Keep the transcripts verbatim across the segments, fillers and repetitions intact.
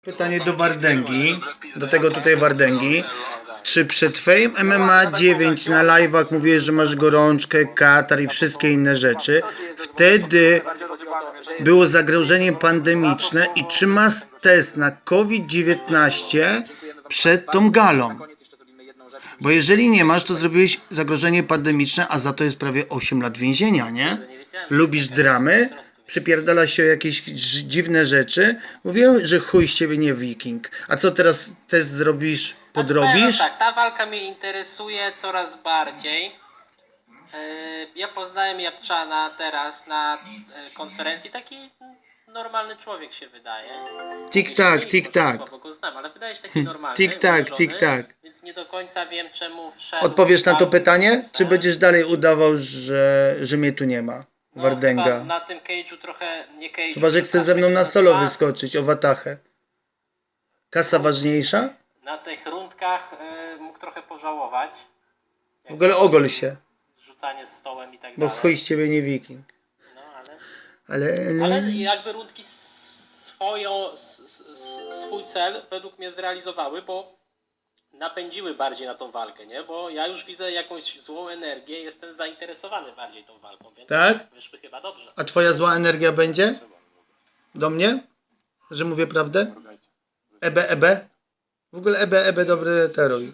Pytanie do Wardęgi, do tego tutaj Wardęgi. Czy przed Fame M M A dziewięć na live'ach mówiłeś, że masz gorączkę, katar i wszystkie inne rzeczy? Wtedy było zagrożenie pandemiczne i czy masz test na COVID dziewiętnaście przed tą galą? Bo jeżeli nie masz, to zrobiłeś zagrożenie pandemiczne, a za to jest prawie osiem lat więzienia, nie? Lubisz dramy? Przypierdala się o jakieś dziwne rzeczy. Mówię, że chuj z ciebie nie wiking. A co teraz test zrobisz? Podrobisz? Tak, ta walka mnie interesuje coraz bardziej. Yy, Ja poznałem Japczana teraz na yy, konferencji. Taki normalny człowiek się wydaje. Tik tak, tik tak. Słabo go znam, ale wydaje się taki normalny. Tik tak, ułożony, tik tak. Więc nie do końca wiem, czemu wszedł. Odpowiesz na to tam pytanie? w Czy będziesz dalej udawał, że, że mnie tu nie ma? No, Wardęga. chyba na tym cage'u trochę nie cage'u. Chyba, że chcesz ze mną na solo wyskoczyć, o watachę. Kasa ważniejsza? Na tych rundkach yy, mógł trochę pożałować. W ogóle ogol się. Rzucanie z stołem i tak Bo dalej. chuj z ciebie nie wiking. No, ale... Ale... Ale jakby rundki swoją, s- s- s- swój cel według mnie zrealizowały, bo napędziły bardziej na tą walkę, nie? Bo ja już widzę jakąś złą energię, jestem zainteresowany bardziej tą walką, więc Tak? wyszły chyba dobrze. A twoja zła energia będzie? Do mnie? Że mówię prawdę? Ebe, ebe? W ogóle ebe, ebe dobry teruj.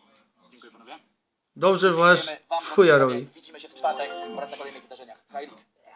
Dobrze masz w chuja robi. Widzimy się w czwartek oraz na kolejnych wydarzeniach. Hej.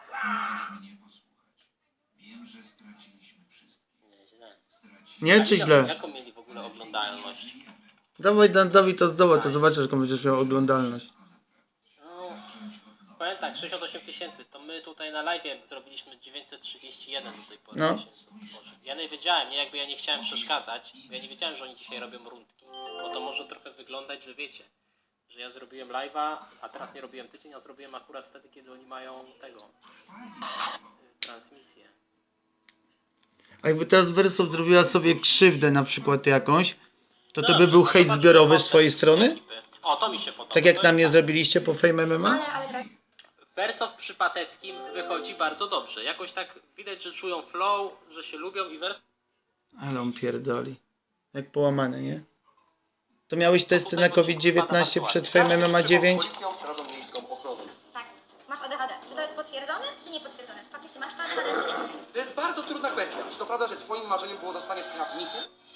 Nie czy źle? Jaką mieli w ogóle oglądalność? Dawaj Dandowi to zdoła, to zobaczysz, jaką będziesz miał oglądalność. No, powiem tak, sześćdziesiąt osiem tysięcy, to my tutaj na live zrobiliśmy dziewięćset trzydzieści jeden do tej pory. No. tysięcy. Boże. Ja nie wiedziałem, nie jakby ja nie chciałem przeszkadzać, ja nie wiedziałem, że oni dzisiaj robią rundki, bo to może trochę wyglądać, że wiecie, że ja zrobiłem live'a, a teraz nie robiłem tydzień, a zrobiłem akurat wtedy, kiedy oni mają tego, y, transmisję. A jakby teraz Wersow zrobiła sobie krzywdę na przykład jakąś, to to Dobrze, by był to hejt zobaczmy zbiorowy z koncept twojej strony? ekipy. O, to mi się podoba. Tak jak To na jest mnie tak. zrobiliście po Fame M M A? Wersow przy Pateckim wychodzi bardzo dobrze. Jakoś tak widać, że czują flow, że się lubią i Wersow... Ale on pierdoli. Jak połamane, nie? To miałeś testy na COVID dziewiętnaście przed Fame M M A dziewięć? Policją, Strażą Miejską, ochroną. Tak, masz A D H D. Czy to jest potwierdzone, czy nie potwierdzone? Faktycznie masz to A D H D, czy nie? To jest bardzo trudna kwestia. Czy to prawda, że twoim marzeniem było zostanie prawnikiem?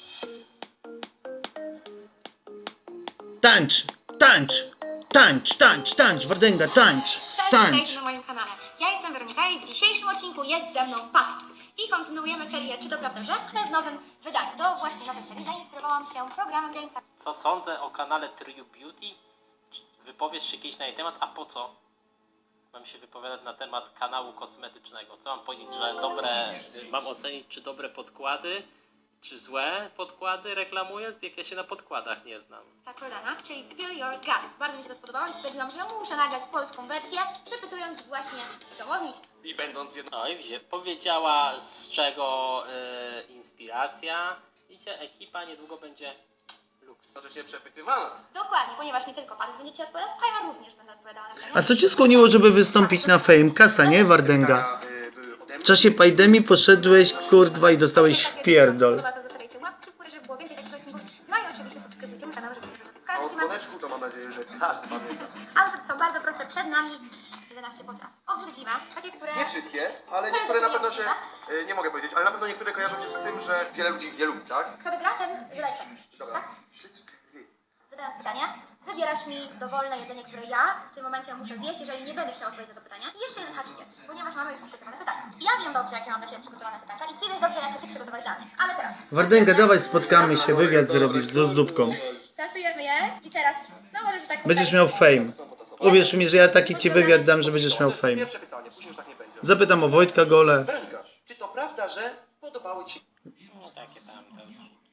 Tańcz! Tańcz! Tańcz, tańcz, tańcz! Wardęga, tańcz! Cześć, Tańcz! witajcie na moim kanale. Ja jestem Weronika i w dzisiejszym odcinku jest ze mną Pakt. I kontynuujemy serię Czy to prawda, że? Ale w nowym wydaniu. Do właśnie nowej serii zainspirowałam się programem Jamesa. Co sądzę o kanale True Beauty? Czy wypowiesz się kiedyś na jej temat? A po co? Mam się wypowiadać na temat kanału kosmetycznego. Co mam powiedzieć, że dobre... Mam ocenić, czy dobre podkłady, czy złe podkłady reklamuję, jak ja się na podkładach nie znam. Ta kolana, czyli Spill Your Guts. Bardzo mi się to spodobało i stwierdziłam, że muszę nagrać polską wersję, przepytując właśnie domownik. I będąc jedną... No i wzie- powiedziała, z czego y, inspiracja. Widzicie, ekipa niedługo będzie luks. Jednocześnie przepytywana. Dokładnie, ponieważ nie tylko Pakt będzie Ci odpowiadał, a ja również będę odpowiadała na pytania. A co cię skłoniło, żeby wystąpić na Fame? Kasa, nie? Wardęga. Y, były ode W mnie. czasie pandemii poszedłeś, kurwa, i dostałeś w pierdol. To zostawiajcie łapki w górę, żeby było więcej takich odcinków. No i oczywiście subskrybujcie mój kanał, żeby się A o notyfikacji. dzwoneczku to mam nadzieję, że każdy pamięta. A zasady są bardzo proste. Przed nami jedenaście potraw. Obrzydliwe, takie, które... Nie wszystkie, ale niektóre na pewno się... y, Nie mogę powiedzieć, ale na pewno niektóre kojarzą się z tym, że wiele ludzi nie lubi, tak? Kto wygra, ten zadaje pytanie. Dobra. Tak? Trzy, cztery. Zadając pytanie, wybierasz mi dowolne jedzenie, które ja w tym momencie muszę zjeść, jeżeli nie będę chciał odpowiedzieć na to pytanie. I jeszcze jeden haczyk jest, ponieważ mamy już przygotowane pytania. Ja wiem dobrze, jakie mam dla Ciebie przygotowane pytania i Ty wiesz dobrze, jakie Ty przygotowałeś dla mnie. Ale teraz... Wardęga, dawaj, spotkamy się, wywiad zrobisz z ozdóbką. Tasujemy je i teraz... No możesz tak... Będziesz miał Fame. Uwierz mi, że ja taki ci wywiad dam, że będziesz miał Fame. Pierwsze pytanie, później już tak nie będzie. Zapytam o Wojtka Gole. Weronika, czy to prawda, że podobały Ci... No takie tam. tam.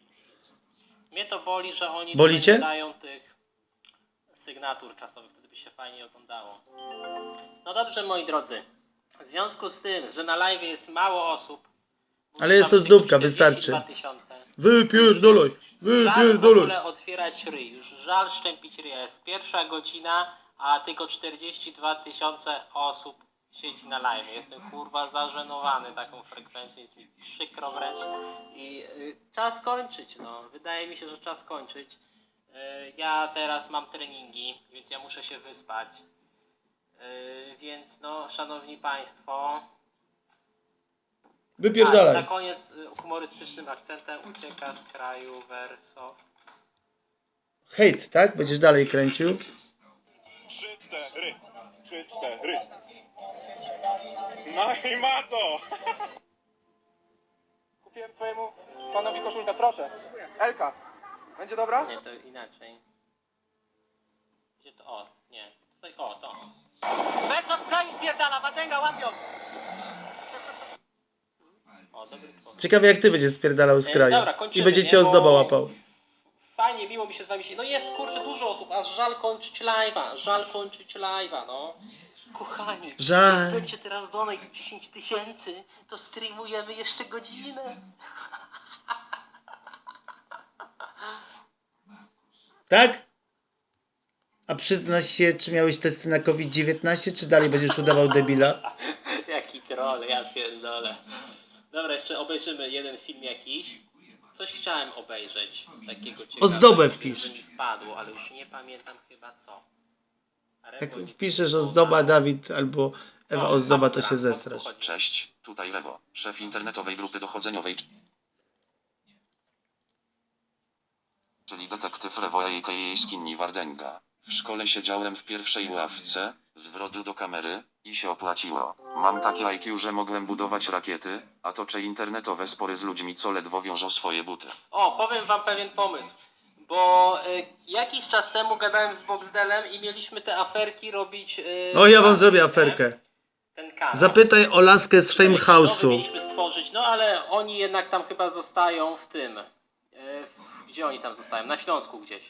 Mnie to boli, że oni Boli tutaj cię? nie dają tych sygnatur czasowych, wtedy by się fajnie oglądało. No dobrze, moi drodzy. W związku z tym, że na live jest mało osób, Ale jest tam ozdóbka, tylko wystarczy. czterdzieści dwa tysiące. Wypierdolaj, Żal w wypierdolaj. ogóle otwierać ryj, już żal szczępić ryja. Jest pierwsza godzina, a tylko czterdzieści dwa tysiące osób siedzi na live. Jestem kurwa zażenowany taką frekwencją, jest mi przykro wręcz i y, czas kończyć, no. Wydaje mi się, że czas kończyć. Y, ja teraz mam treningi, więc ja muszę się wyspać. Y, więc no, szanowni państwo, a, Wypierdalaj. na koniec y, humorystycznym akcentem ucieka z kraju Wersow. Hejt, tak? Będziesz dalej kręcił. Trzy, cztery, trzy, cztery. No i ma to! Kupiłem swojemu panowi koszulkę, proszę. Elka, będzie dobra? Nie, to inaczej. Gdzie to? O, nie. Tutaj, o, to. Wersow z kraju spierdala, Watęga łapią! O, dobry pomysł. Ciekawe jak ty będziesz spierdalał z E, kraju. dobra, kończymy, I będzie cię nie? Bo- ozdoba łapał. Fajnie, miło mi się z wami się. No jest kurczę dużo osób, aż żal kończyć live'a, żal kończyć live'a, no. Kochani, Żal. jak będzie teraz donate dziesięć tysięcy, to streamujemy jeszcze godzinę. Tak? A przyznasz się, czy miałeś testy na COVID dziewiętnaście, czy dalej będziesz udawał debila? Jaki troll, ja pierdolę. Dobra, jeszcze obejrzymy jeden film jakiś. Coś chciałem obejrzeć takiego ciekawego. Ozdobę wpisz. że mi wpadło, ale już nie pamiętam chyba co. Jak Rewo wpiszesz nic ozdoba nie Dawid albo Ewa O, ozdoba, to Abstra, się o co tu zestrasz. chodzi? Cześć, tutaj Lewo, szef internetowej grupy dochodzeniowej, czyli detektyw Lewo a k a. Skinny Wardęga. W szkole siedziałem w pierwszej ławce, zwrot do kamery, i się opłaciło. Mam takie I Q, że mogłem budować rakiety, a toczę internetowe spory z ludźmi, co ledwo wiążą swoje buty. O, powiem wam pewien pomysł. Bo y, jakiś czas temu gadałem z Boxdelem i mieliśmy te aferki robić... Y, O, ja wam razem, zrobię nie? aferkę. Ten kanał. Zapytaj o laskę z Fame Nowy House'u. mieliśmy stworzyć, no ale oni jednak tam chyba zostają w tym. Y, w, gdzie oni tam zostają? Na Śląsku gdzieś.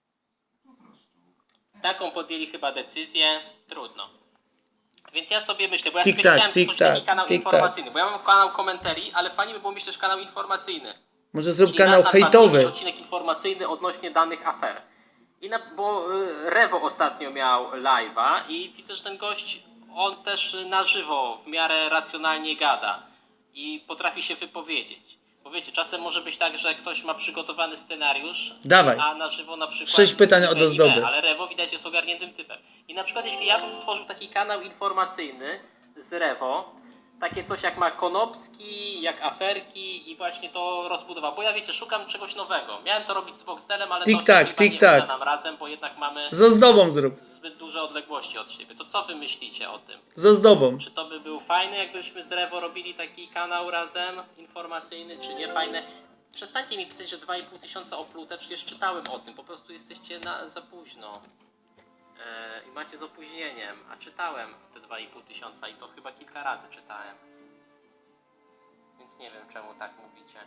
Taką podjęli chyba decyzję. Trudno. Więc ja sobie myślę, bo ja sobie Tik-tak, chciałem stworzyć tik-tak, taki kanał tik-tak. informacyjny, bo ja mam kanał komentarii, ale fajnie by było mieć też kanał informacyjny. Może zrób Czyli kanał raz na dwa dni hejtowy. jakiś odcinek informacyjny odnośnie danych afer. I na, bo y, Rewo ostatnio miał live'a i widzę, że ten gość, on też na żywo w miarę racjonalnie gada i potrafi się wypowiedzieć. Bo wiecie, czasem może być tak, że ktoś ma przygotowany scenariusz, Dawaj. a na żywo na przykład... Sześć pytań od B i B, ozdoby. Ale Rewo widać jest ogarniętym typem. I na przykład jeśli ja bym stworzył taki kanał informacyjny z Rewo, takie coś jak ma Konopski, jak aferki i właśnie to rozbudował. Bo ja wiecie, szukam czegoś nowego. Miałem to robić z Boxdelem, ale Tik-tak, to chyba nie tik-tak. uda nam razem, bo jednak mamy Z ozdobą zrób. zbyt duże odległości od siebie. To co wy myślicie o tym? Z ozdobą. Czy to by był fajny, jakbyśmy z Rewo robili taki kanał razem informacyjny, czy nie fajny? Przestańcie mi pisać, że dwa i pół tysiąca oplute, przecież czytałem o tym, po prostu jesteście na, za późno. Eee, I macie z opóźnieniem, a czytałem te dwa i pół tysiąca i to chyba kilka razy czytałem. Więc nie wiem czemu tak mówicie.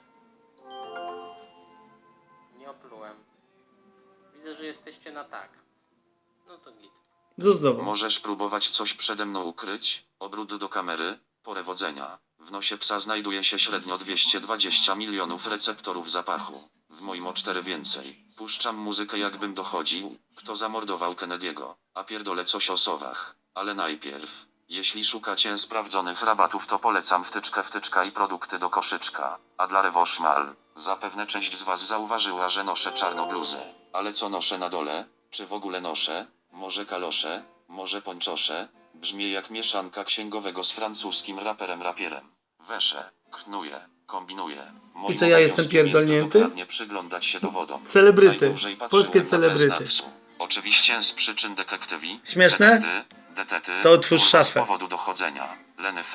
Nie oplułem. Widzę, że jesteście na tak. No to git. Z ozdobą. Możesz próbować coś przede mną ukryć, obrót do kamery, porewodzenia. W nosie psa znajduje się średnio dwieście dwadzieścia milionów receptorów zapachu. W moim o cztery więcej. Puszczam muzykę jakbym dochodził, kto zamordował Kennedy'ego, a pierdolę coś o sowach. Ale najpierw, jeśli szukacie sprawdzonych rabatów, to polecam wtyczkę wtyczka i produkty do koszyczka. A dla Rewo szmal, zapewne część z was zauważyła, że noszę czarną bluzę. Ale co noszę na dole? Czy w ogóle noszę? Może kalosze? Może pończosze? Brzmi jak mieszanka księgowego z francuskim raperem rapierem. Weszę, knuje, kombinuje. Moim I to ja jestem obowiązkiem jest pierdolnięty? dokładnie przyglądać się dowodom. Celebryty. Najdłużej patrzyłem Polskie na celebryty. Beznaksu. Oczywiście z przyczyn detektywi. Śmieszne? Detety, detety, To otwórz kurwa, z szafę. powodu dochodzenia. Leny